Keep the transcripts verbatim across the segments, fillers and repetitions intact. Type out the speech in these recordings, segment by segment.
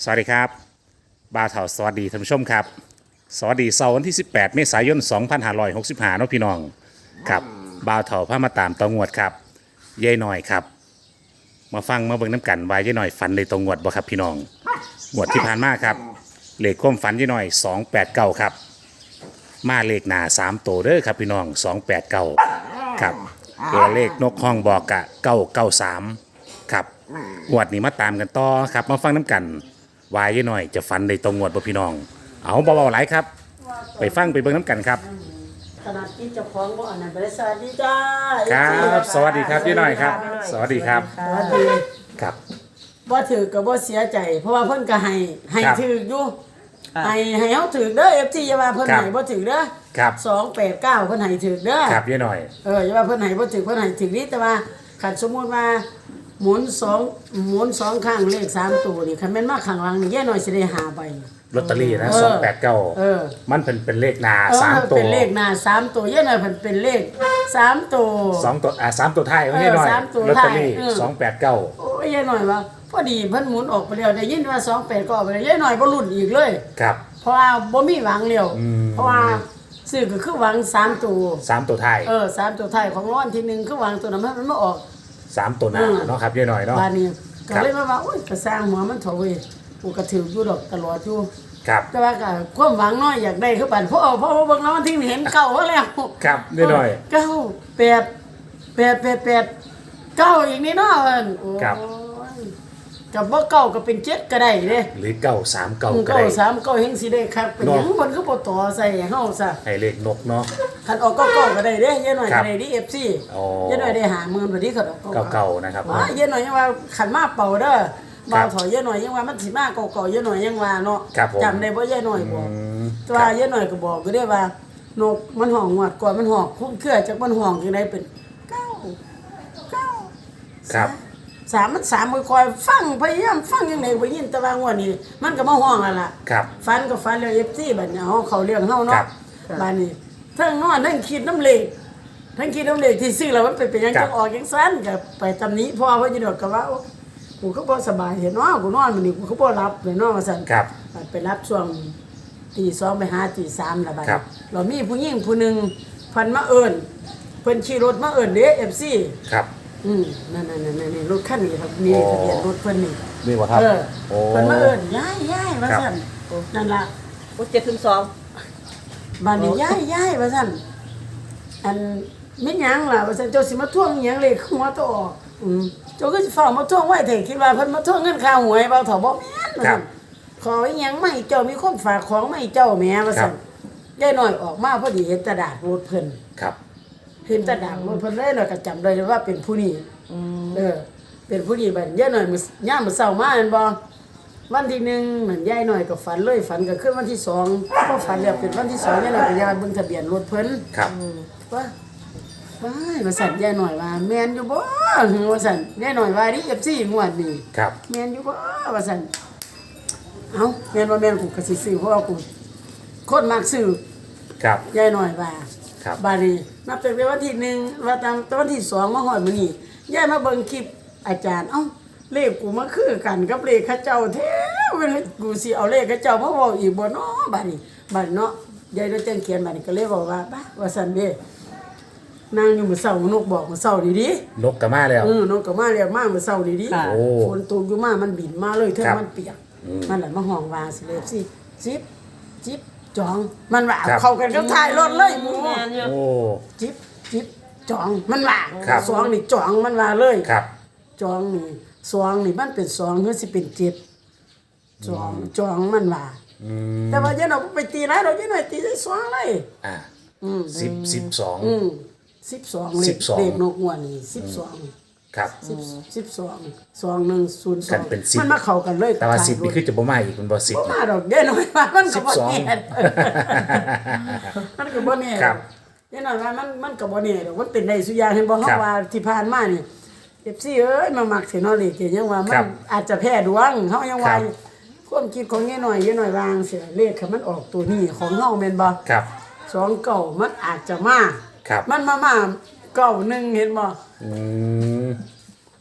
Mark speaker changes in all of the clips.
Speaker 1: สวัสดีครับบ่าวเถาสวัสดีท่านผู้ชมครับสวัสดีเสาร์วันที่สิบแปดเมษายนสองพันห้าร้อยหกสิบห้าเนาะพี่น้องครับบ่าวเถาพามาตามตองวดครับยายหน่อยครับมาฟังมาเบิ่งน้ำกันว่ายายหน่อยฝันในตองวดบ่ครับพี่น้องงวดที่ผ่านมาครับเลขความฝันยายหน่อยสองแปดเก้าครับมาเลขหน้าสามตัวเด้อครับพี่น้องสองแปดเก้าครับตัวเลขนกห้องบอกกะเก้าเก้าสามครับงวดนี้มาตามกันต่อครับมาฟังน้ำกันวายหน่อยจะฟันในตรงงวดบ่พี่น้องเอาเบาๆหลายครับไปฟังไปเบิ่งน้ำกันครับ
Speaker 2: ขนาดที่เจ้าของบ่อันนั้นไปสวัสดีจ้า
Speaker 1: ครับสวัสดีครับพี่หน่อยครับสวัสดีครับ
Speaker 2: สวัสดี
Speaker 1: ครับ
Speaker 2: บ่ถือก็บ่เสียใจเพราะว่าเพิ่นก็ให้ให้ถืออยู่ให้ให้เฮาถือเด้อ เอฟ ซี อย่าว่าเพิ่นให้บ่ถือเด้อ
Speaker 1: ครับ
Speaker 2: สองแปดเก้าเพิ่นให้ถือเด้อ
Speaker 1: ครับยายหน่อย
Speaker 2: เอออย่าว่าเพิ่นให้บ่ถือเพิ่นให้ถือนี่แต่ว่าคันสมมุติว่าหมุนสองหมุนสองข้างเลขสามตัวนี่คันแม่นมาข้างหลังนี่ยายหน่อยสิได้หาใบ
Speaker 1: ลอตเตอรี่นะสองแปดเก้าเออมันเป็นเป็นเลขหน้าสามตัว
Speaker 2: เป็นเลขหน้าสามตัวยายหน่อยเพิ่นเป็นเลขสามตัว
Speaker 1: สองตัวอ่าสามตัวท้ายของยายหน่อยลอตเตอรี่สองแปดเก้า
Speaker 2: โอ้ยยายหน่อยว่าพอดีเพิ่นหมุนออกไปแล้วได้ยินว่าสองแปดก็ออกไปแล้วยายหน่อยบ่ลุ้นอีกเลย
Speaker 1: ครับ
Speaker 2: เพราะว่าบ่มีหวังแล้วเพราะว่าซื้อก็คือหวังสามตัว
Speaker 1: สามตัวท้าย
Speaker 2: เออสามตัวท้ายของรางวัลที่หนึ่งคือหวังตัวนั้นมันมาออก
Speaker 1: สามตัวหน้าเนาะครับยายหน่อยเนาะ
Speaker 2: บาดนี้ก็เลยมาว่าโอ้ยก็สร้างหัวมันเถอะเว้ยกูก็ถืออยู่ดอกตลอดอยู่
Speaker 1: ครับ
Speaker 2: แต่ว่าก็ความหวังน้อยอยากได้คือปานเพราะเพราะว่าเบิ่งแล้วมันที่เห็นเก่าแล้ว
Speaker 1: ครับยายหน่อย
Speaker 2: เก้าแปดแปดแปดแปดเก้าอีกนี่เนาะเอิ้นโอ้ยกับบ่เก้าก็เป็นเจ็ดก็ได้เด้
Speaker 1: หรือเก้าสามเก้าก็ได้
Speaker 2: เก้าสามเก้าเฮงสิได้ครับเป็นหยังมันคือบ่ต่อใส่เฮาซะ
Speaker 1: ให้เลขนกเนาะ
Speaker 2: คันออกเก้าเก้าก็ได้เด้ยายหน่อยก็ได้ดิ เอฟ ซี
Speaker 1: อ๋อ
Speaker 2: ยายหน่อยได้ห้าหมื่นบัดนี้คันออก
Speaker 1: เก้าเก้านะครับ
Speaker 2: ว่ายายหน่อยยังว่าคันมาเป่าเด้อบ่าวถอยยายหน่อยยังว่ามันสิมาเก้าเก้ายายหน่อยยังว่าเนาะจำได้บ่ยายหน่อยบอกแต่ว่ายายหน่อยก็บอกอยู่เด้ว่านกมันห้องงวดก่อนมันห้องคุ้มเครือจักมันห้องจังได๋เป็นเก้า เก้า
Speaker 1: ครับ
Speaker 2: สามมันสามคอยฟังพยายามฟังยังไงบ่ยินแต่ว่างวดนี้มันก็มาห้องแล้วล่ะ
Speaker 1: ครับ
Speaker 2: ฟันก็ฟันแล้ว เอฟ ซี บัดนี้เฮาเขาเรื่องเฮาเนาะบัดนี้ทั้งนอนทั้งคิดน้ำเลขทั้งคิดน้ำเลขที่ซื้อแล้วมันเป็นเป็นหยังจังออกจังซั่นก็ไปตำหนิพ่อเพิ่นอยู่ดอกก็ว่ากูก็บ่สบายเห็นเนาะกูนอนมื้อนี้กูก็บ่หลับเลยเนาะว่าซั่น
Speaker 1: ครับ
Speaker 2: ไปรับช่วงตีสองไปหาตีสามละบัดเรามีผู้หญิงผู้นึงเพิ่นมาเอิ้นเพิ่นขี่รถมาเอิ้นเด้ เอฟ ซี
Speaker 1: ครับ
Speaker 2: อืมนั่นๆๆๆรถคันนี้ครับมีทะเบียนรถเพิ่นนี่
Speaker 1: นี่บ่ครับ
Speaker 2: เออเพิ่นมาเอิ้นย้ายๆว่าซั่นนั่นล่ะ
Speaker 3: โอ้เจ็ดถึงสอง
Speaker 2: บ้านนี้ย้ายๆว่าซั่นอันแม่นหยังล่ะว่าซั่นเจ้าสิมาทวงหยังเลขหัวตัวออกอืมเจ้าก็สิฟ้ามาทวงไว้แท้คิดว่าเพิ่นมาทวงเงินค่าหวยบ่เฒ่าบ่แม่นว่าซั่นขออีหยังมาให้เจ้ามีคนฝากของมาให้เจ้าแหมว่าซั่นยายน้อยออกมาพอดีเห็นตะดาดรถเพิ่น
Speaker 1: ครับ
Speaker 2: เห็นตะดาดรถเพิ่นเลยเนาะก็จำได้ว่าเป็นผู้นี้เออเป็นผู้ดีบัดยายหน่อยมื้อย่ามมื้อเช้ามาแม่นบ่วันที่หนึ่งนั่นยายหน่อยก็ฝันเลยฝันก็คือวันที่สองพอฝันแล้วเป็นวันที่สองยายหน่อยก็ยายเบิ่งทะเบียนรถเพิ่น
Speaker 1: ครับ
Speaker 2: ว่าว้ายว่าสั่นยายหน่อยว่าแม่นอยู่บ่ว่าสั่นยายหน่อยว่าดิ เอฟ ซี งวดนี้
Speaker 1: ครับ
Speaker 2: แม่นอยู่บ่ว่าสั่นเอ้าแม่นบ่แม่นกูก็สิซื้อเพราะว่ากูคนมักซื้อ
Speaker 1: ครับ
Speaker 2: ยายหน่อยว่า
Speaker 1: ครับ
Speaker 2: บัดนี้นับตั้งแต่วันที่หนึ่งว่าตามวันที่สองมาฮอดมื้อนี้ยายมาเบิ่งคลิปอาจารย์เอ้าเลขกูมาคือกันกับเลขเขาเจ้าแท้เว้ยกูสิเอาเลขเขาเจ้ามาเว้าอีกบ่เนาะบัดนี้บัดเนาะยายได้แจ้งเขียนบัดนี้ก็เลยบอกว่าบ้าว่าซั่นเด้นางอยู่มื้อเช้านกบอกมื้อเช้าดี
Speaker 1: ๆนกก็มาแล้ว
Speaker 2: เออนกก็มาแล้วมามื้อเช้าดีๆฝนตกอยู่มามันบินมาเลยเทิงมันเปียกมันล่ะมาห้องว่าสิเลยสิจิบจิบจองมันว่าเข้ากันกับท้ายรถเลยหมู่
Speaker 1: โอ้
Speaker 2: จิบจิบจองมันว่าสองนี่จองมันว่าเลย
Speaker 1: ครับ
Speaker 2: จองนี่สองนี่มันเป็นสองหรือสิเป็นเจ็ดจองจองมันว่าแต่ว่ายันเอาไปตีไรเรายันหน่อยตีได้สองเลย
Speaker 1: อ่าสิบสิบสอง
Speaker 2: อืมสิบสองเลขเลขนกหัวนี่สิบสอง
Speaker 1: ครับ
Speaker 2: สิบสิบสองสองหนึ่งศูนย์สอง
Speaker 1: มั
Speaker 2: นมาเข้ากันเลย
Speaker 1: แต่ว่าสิบนี่คือจะบ่มาอีกมันบ่สิบ
Speaker 2: มาดอกยันหน่อยว่ามันก็บ่แน่มันก็บ่แน่
Speaker 1: ครับ
Speaker 2: ยันหน่อยว่ามันมันก็บ่แน่ดอกมันเป็นได้สุยาเห็นบ่เฮาว่าที่ผ่านมานี่เอฟซีเอ้ยมามักสิเนาะเลขยังว่ามันอาจจะแพ้ดวงเฮายังว่าความคิดของยายหน่อยยายหน่อยวางเสียเลขค่ะมันออกตัวนี้ของเฮาแม่นบ่
Speaker 1: ครับ
Speaker 2: สองเก้ามันอาจจะมามันมามาเก้าหนึ่งเห็นบ่
Speaker 1: อืม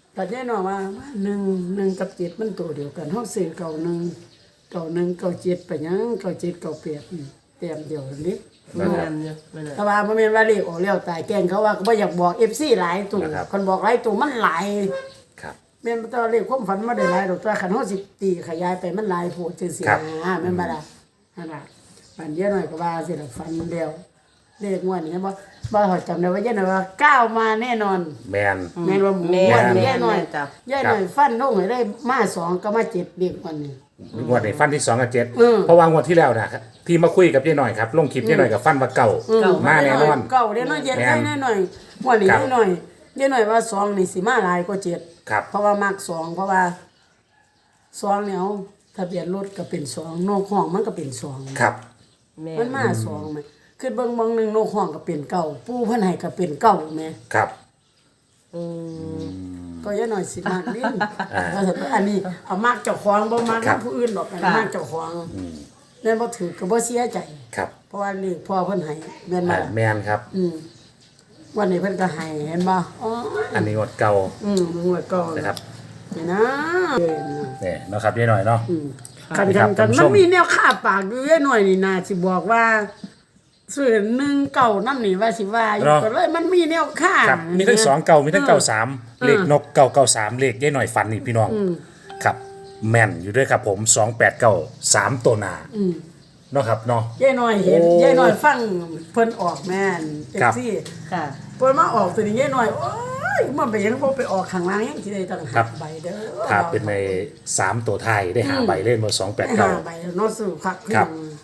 Speaker 2: ก็แน่นอนว่าหนึ่งหนึ่งกับเจ็ดมันตัวเดียวกันเฮาซื้อเก่าหนึ่งเก่าหนึ่งเก่าเจ็ดไปหยังเก่าเจ็ดเก่าแปดนี่เต็มเดียวกันนี้
Speaker 3: แม่นอยู่แม่น
Speaker 2: แต่ว่าบ่แม่นว่าเลขออกแล้วตายแกล้งเขาว่าก็บ่อยากบอก เอฟ ซี หลายตัวคนบอกหลายตัวมันหลาย
Speaker 1: ครับ
Speaker 2: แม่นบ่ตัวเลขความฝันบ่ได้หลายดอกตัวคันเฮาสิตีขยายไปมันหลายโพดจังซี่นะแม่นบ่ล่ะนั่นล่ะปันเดียวหน่อยก็ว่าสิล่ะฝันเดียวเลขงวดนี้บ่บ่เฮาจำได้ว่าเยอะหน่อยว่าเก้ามาแน่นอน
Speaker 1: แมน
Speaker 2: แม่นว่า
Speaker 3: แม่
Speaker 2: งวด
Speaker 3: น
Speaker 2: นี้
Speaker 3: แม่
Speaker 2: ยาย
Speaker 3: น
Speaker 2: หน่อย
Speaker 3: จ้ะ
Speaker 2: ยายหน่อยฟันลงให้ได้มาสองก็มาเจ็ดเด็กวันนี้
Speaker 1: งวดในฟันที่สองกับเจ็ด
Speaker 2: อืม
Speaker 1: เพราะว่างวดที่แล้วนะที่มาคุยกับยายหน่อยครับลงคลิปยายหน่อยกับฟันว่าเก่า
Speaker 3: เก่า
Speaker 1: มาแน่นอน
Speaker 2: เก่าเด้น้อยเย็น
Speaker 1: แม่น
Speaker 2: ได้หน่อยงวดนี้
Speaker 1: ครับ
Speaker 2: ได้หน่อยได้หน่อยว่าสองนี่สิมาหลายกว่าเจ็ด
Speaker 1: ครับ
Speaker 2: เพราะว่ามักสองเพราะว่าสองเนี่ยเอาทะเบียนรถก็เป็นสองนกห้องมันก็เป็นสอง
Speaker 1: ครับ
Speaker 3: แม่
Speaker 2: มันมาสองไหมคือเบิ่งบางหนึ่งนกห้องก็เป็นเก่าปูเพันให้ก็เป็นเก่าแม่
Speaker 1: ครับ
Speaker 3: อืม
Speaker 2: ก็ยังหน่อยสิมากดิ้นว่าแต่อันนี้เอามากเจ้าของบ่มาก
Speaker 1: ครับ
Speaker 2: ผู้อื่นหรอกอัน
Speaker 3: ค่ะ
Speaker 2: มากเจ้าของนั่นบ่ถือก็บ่เสียใจ
Speaker 1: ครับ
Speaker 2: เพราะว่านี่พ่อเพิ่นให้แม่นบ่
Speaker 1: อ่า
Speaker 2: ล่ะ
Speaker 1: แมนครับ
Speaker 2: อืมวันนี้เพิ่นก็ให้เห็นบ่อ๋อ
Speaker 1: อันนี้งวดเก่า
Speaker 2: อืมมึงว่าก่อน
Speaker 1: นะครับ
Speaker 2: นี่นะเออนะ
Speaker 1: เนี่ยเนาะครับยายหน่อยเนาะ
Speaker 2: อืมกัน
Speaker 1: ค
Speaker 2: กั
Speaker 1: รั
Speaker 2: น
Speaker 1: บ
Speaker 2: กัน
Speaker 1: ท่านผู้ช
Speaker 2: มั
Speaker 1: ม
Speaker 2: นมีแนวค่าปากอยู่เยอะหน่อยนี่นาสิบอกว่าซื้อหนึ่งเก่านั่นนี่ว่าสิว่าอยู่ก็เลยมันมีแนวค่า
Speaker 1: ครับมีทั้งสองเก่ามีทั้งเก่าสาม
Speaker 2: เออ
Speaker 1: เลขนกเก่าเก่าสามเลขยายหน่อยฟันนี่พี่น้องครับแม่นอยู่ด้วยครับผมสองแปดเก้าสามตัวหนาเนาะครับเนาะ
Speaker 2: ยายหน่อยเห็น
Speaker 1: โอ้
Speaker 2: ยายหน่อยฟังเพิ่นออกแม่นเอ
Speaker 1: ครั
Speaker 2: ฟ
Speaker 1: บ
Speaker 2: ซี
Speaker 3: ค่ะ
Speaker 2: เพิ่นมาออกตัวนี้ยายหน่อยโอ้ยมันไปยังบ่ไปออกข้างล่างยังสิได้ตั้ง
Speaker 1: ครั
Speaker 2: ห้า
Speaker 1: บ
Speaker 2: ใบเด้อ
Speaker 1: ถ้าเป็นในสามตัวไทายได้หาใบเล่นมาสองแปด
Speaker 2: ห้า
Speaker 1: เก้า
Speaker 2: ใบเนาะซื้อคัก
Speaker 1: ครับ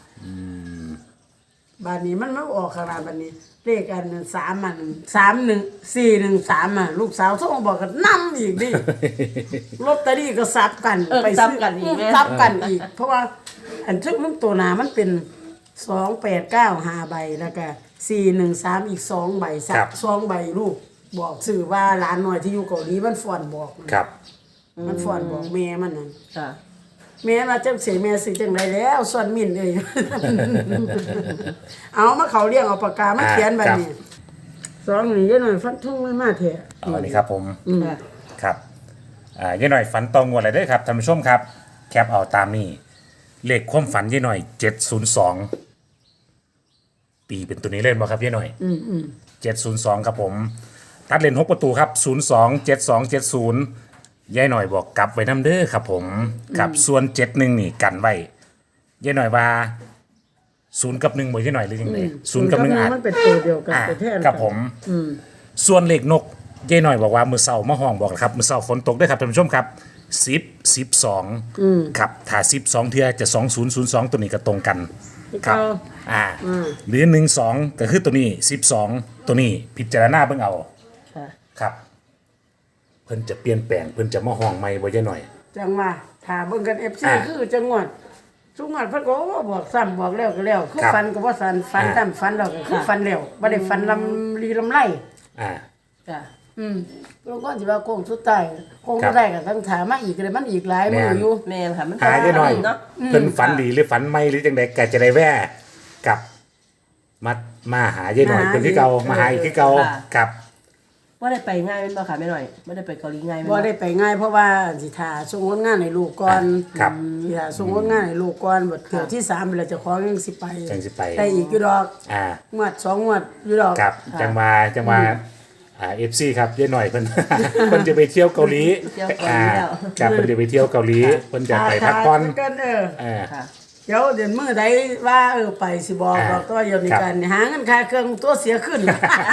Speaker 2: บานนี้มันมาออกข้างล่างบานนี้ เลขอันนั้นสามมันสามหนึ่งสี่หนึ่งสามอ่ะลูกสาวโทรมาบอกกันนำอีก ดิลอตเตอรี่ก็ซับกัน
Speaker 3: เออ
Speaker 2: ไป
Speaker 3: ซั
Speaker 2: ซื้
Speaker 3: บกันอีกแม่
Speaker 2: ซับกันอีก เพราะว่า อันทึกมันตัวหนามันเป็นสองแปดเก้าห้าใบแล้วก็สี่หนึ่งสามอีกสองใบสั
Speaker 1: ครั
Speaker 2: ก
Speaker 1: บ
Speaker 2: สองใบลูกบอกสื่อว่าหลานหน่อยที่อยู่เกาหลีมันฟ้อนบอกมัน
Speaker 1: ครับ
Speaker 2: มันฟ้อนบอกแม่มันนั่น
Speaker 3: ค่ะ
Speaker 2: แม่มาจังเสียแม่สิจังไรแล้วส่วนมินเลย เอามาเขาเรียงเอาปากกามาเขียนแบบนี้สองนี่ยังหน่อยฟันทุ่งไม่มาเถอะ
Speaker 1: เอาอันนี้ครับผม
Speaker 3: ค่ะ
Speaker 1: ครับอ่ายายหน่อยฝันตองงวดอะไรได้อครับท่านผู้ชมครับ แคปเอาตามนี้เลขความฝันยายหน่อยเจ็ดศูนย์สองตีเป็นตัวนี้เล่นบ่ครับยายหน่อย
Speaker 2: อืมอืม
Speaker 1: เจ็ดศูนย์สองครับผม ตัดเลนหกประตูครับศูนย์สองเจ็ดสองเจ็ดศูนย์ยายหน่อยบอกกลับไว้น้ำเด้อครับผมกับส่วนเจ็ดหนึ่งนี่กันไว้ยายหน่อยว่าศูนย์กับหนึ่งบ่ยายหน่อยหรือยังไงศูนย์กับหนึ่งอาจ
Speaker 2: มันเป็นตัวเดียวกัน
Speaker 1: อ่า
Speaker 2: ไปแทน
Speaker 1: ครับผม
Speaker 2: อืม
Speaker 1: ส่วนเลขนกยายหน่อยบอกว่ามือเสามาห้องบอกครับมือเสาฝนตกด้วยครับท่านผู้ชมครับสิบสิบสองครับถ้าสิบสองเทือจะสองศูนย์ศูนย์สองตัวนี้ก็ตรงกันครับอ่าหรือหนึ่งสองก็คือตัวนี้สิบสองตัวนี้พิจารณาเบิ่งเอา
Speaker 3: ค่ะ
Speaker 1: ครับ เพิ่นจะเปลี่ยนแปลงเพิ่นจะมาห้องใหม่บ่ยายหน่อย
Speaker 2: จังว่าถ้าเบิ่งกัน เอฟ ซี
Speaker 1: อ่า
Speaker 2: คือจังหวัดทุกงวดเพิ่นก็ว่าบอกซ้ำบอกแล้วก็แล้วคือ
Speaker 1: ครับ
Speaker 2: ฟันก็บ่สันฟัน
Speaker 1: อ่า
Speaker 2: ซ้ำฟันแล้วก็คือฟันแล้วบ่ได้ฟันลำลีลำไร
Speaker 1: อ่า
Speaker 3: ค่ะ
Speaker 2: อืมแล้วก็สิว่าโค้งสุดท้ายโค้งสุดท้ายก็ต้องถามมาอีกเลยมันอีกหลายมื้ออยู่
Speaker 3: แม่นค่ะมัน
Speaker 1: หายายหน่อย
Speaker 3: เนาะ
Speaker 1: เพิ่นฝันดีหรือฝันไม่หรือจังไดก็จะได้แว่กลับมามาหายายหน่อย
Speaker 2: มาหา
Speaker 1: เพิ่นที่เก่า
Speaker 2: อีก
Speaker 1: มาหาอีกที่เก่า
Speaker 3: ค่ะ
Speaker 1: ครับ
Speaker 3: ว่าได้ไปง่ายแม่นบ่ค่ะแม่หน่อยบ่ได้ไปเกาหลีง่ายแม่น
Speaker 2: บ่ได้ไปง่ายเพราะว่าสิทาส่งผลงานให้ลูกก่อน
Speaker 1: ครับ
Speaker 2: อืมสิทาส่งผลงานให้ลูกก่อนบัดเที่ยวที่สามเราจะขอยังสิไป
Speaker 1: จังสิไป
Speaker 2: ได้อีกอยู่ดอก
Speaker 1: อ่า
Speaker 2: งวดสองงวดอยู่ดอก
Speaker 1: ครับจังมาจังมาอ่า เอฟ ซี ครับยายหน่อยเพิ่น เพิ่นจะไปเที่ยวเกาหลี
Speaker 3: เที่ยวเกาหลีแล้ว
Speaker 1: อ่าครับเพิ่นจะไปเที่ยวเกาหลีเพิ่นจะไปพักผ่อน
Speaker 2: กันเออ
Speaker 1: อ่า
Speaker 3: ค่ะ
Speaker 2: เดี๋ยวเดี๋ยวมื้อใดว่าเออไปสิบอก
Speaker 1: อ่า
Speaker 2: ดอกตัวเดียวนี้
Speaker 1: ครับ
Speaker 2: กันหาเงินค่าเครื่องตัวเสียขึ้น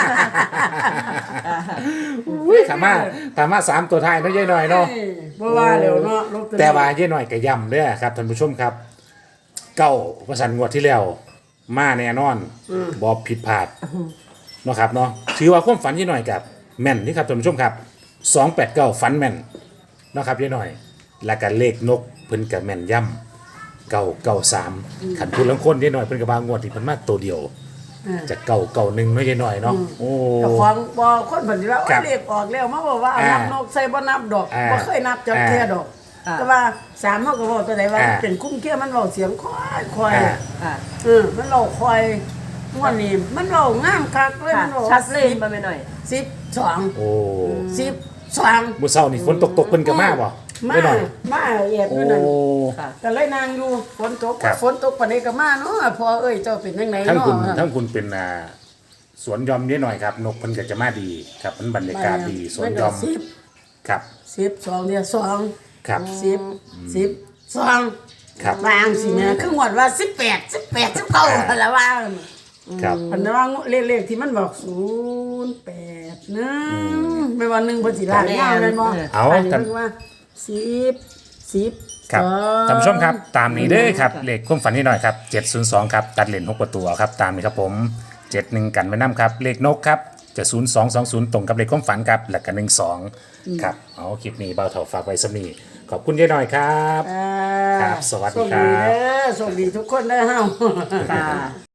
Speaker 1: อุ้ยถามมาถามมาสามตัวท้ายเนาะยายหน่อยเนาะ
Speaker 2: บ่ว่าแล้วเนาะลอตเตอรี่
Speaker 1: แต่ว่ายายหน่อยก็ย้ำเด้อครับท่านผู้ชมครับ เก้าประสันงวดที่แล้ว มาแน่นอนบ่ผิดพลาดเนาะครับเนาะถือว่าความฝันยายหน่อยกับแม่นนี่ครับท่านผู้ชมครับสองแปดเก้าฝันแม่นเนาะครับยายหน่อย แล้วก็เลขนกเพิ่นก็แม่นย่ำเก้าเก้าสามขันพูดลังคนยายหน่อยเพิ่นก็บางงวดที่เพิ่นมาตัวเดียว
Speaker 2: อ่า
Speaker 1: จะเก่าเก่าหนึ่งเนาะยายหน่อยเนาะโอ้
Speaker 2: เจ้าของบ่คนเพิ่นสิว่า
Speaker 1: ครั
Speaker 2: โอ้
Speaker 1: บ
Speaker 2: เลขออกแล้วมาบอกว่าเอา
Speaker 1: อ่า
Speaker 2: นับนกใส่บ่นับดอก
Speaker 1: อ่า
Speaker 2: บ่เคยนับจักเที่ยดอก
Speaker 3: อ่า
Speaker 2: แต่ว่าสามเฮาก็บอกตัวใดว่า
Speaker 1: อ่า
Speaker 2: เป็นคุ้มเคี้ยมันเว้าเสียงค่อยค่อย
Speaker 1: อ่า
Speaker 3: ค่ะ
Speaker 2: เออมันเว้าค่อยม่วนนี่มันเว้างามคักเลย
Speaker 3: ค่ะ
Speaker 2: มันเว้า
Speaker 3: ชัดเลยบ่แม่หน่อย
Speaker 2: สิบสอง
Speaker 1: โอ้
Speaker 2: สิบสอง
Speaker 1: มื้อเช้านี่ฝนตกตกเพิ่นก็มาบ่
Speaker 2: มา
Speaker 1: ได้หน่อย
Speaker 2: มาแอบอ
Speaker 1: โอ้
Speaker 2: ยู่นั่น
Speaker 3: ค่ะ
Speaker 2: ก็เลยนางอยู่ฝนตก
Speaker 1: ครับ
Speaker 2: ฝนตกปานนี้ก็มาเนาะพอเอ้ยเจ้าเป็นจังได
Speaker 1: ทั้ง
Speaker 2: เนาะ
Speaker 1: คุณทั้งคุณเป็นอ่าสวนยอมนิดหน่อยครับนกเพิ่นก็จะมาดีครับมันบรรยากาศดีสวนยอม
Speaker 2: สิบ
Speaker 1: ครับ
Speaker 2: สิบสองเดียวสอง
Speaker 1: ครับ
Speaker 2: สิบสิบสอง
Speaker 1: ครับ
Speaker 2: วางสิแม่คือหมดว่าสิบแปดสิบแปดสิบเก้าแล้วว่า
Speaker 1: ครับ
Speaker 2: พันธุ์ว่าเลขๆที่มันบอกศูนย์แปดหนึ่งไม่ว่าหนึ่งเพันสิลางยาวเลยบ่
Speaker 1: เอา
Speaker 2: อันนี้
Speaker 1: ท่าน
Speaker 2: เพิ่นว่าสิบสิบ
Speaker 1: ครับ
Speaker 2: สอง
Speaker 1: ท่านผู้ชมครับตามนี้เด้อครับเลขความฝันนิดหน่อยครับเจ็ดศูนย์สองครับตัดเหรียญหกประตูครับตามนี้ครับผมเจ็ดหนึ่งกันไว้นํครับเลขนกครับจะศูนย์สองสองศูนย์ตรงกับเลขความฝันครับแล้วก็หนึ่งสองครับเอาคลิปนี้เบาเถาฝากไว้สำนีขอบคุณยายหน่อยครับ
Speaker 2: อ่า
Speaker 1: ครับสวัสดีครับ
Speaker 2: โชคดีเด้อโชคดีทุกคนเด้อเฮา
Speaker 3: ค่ะ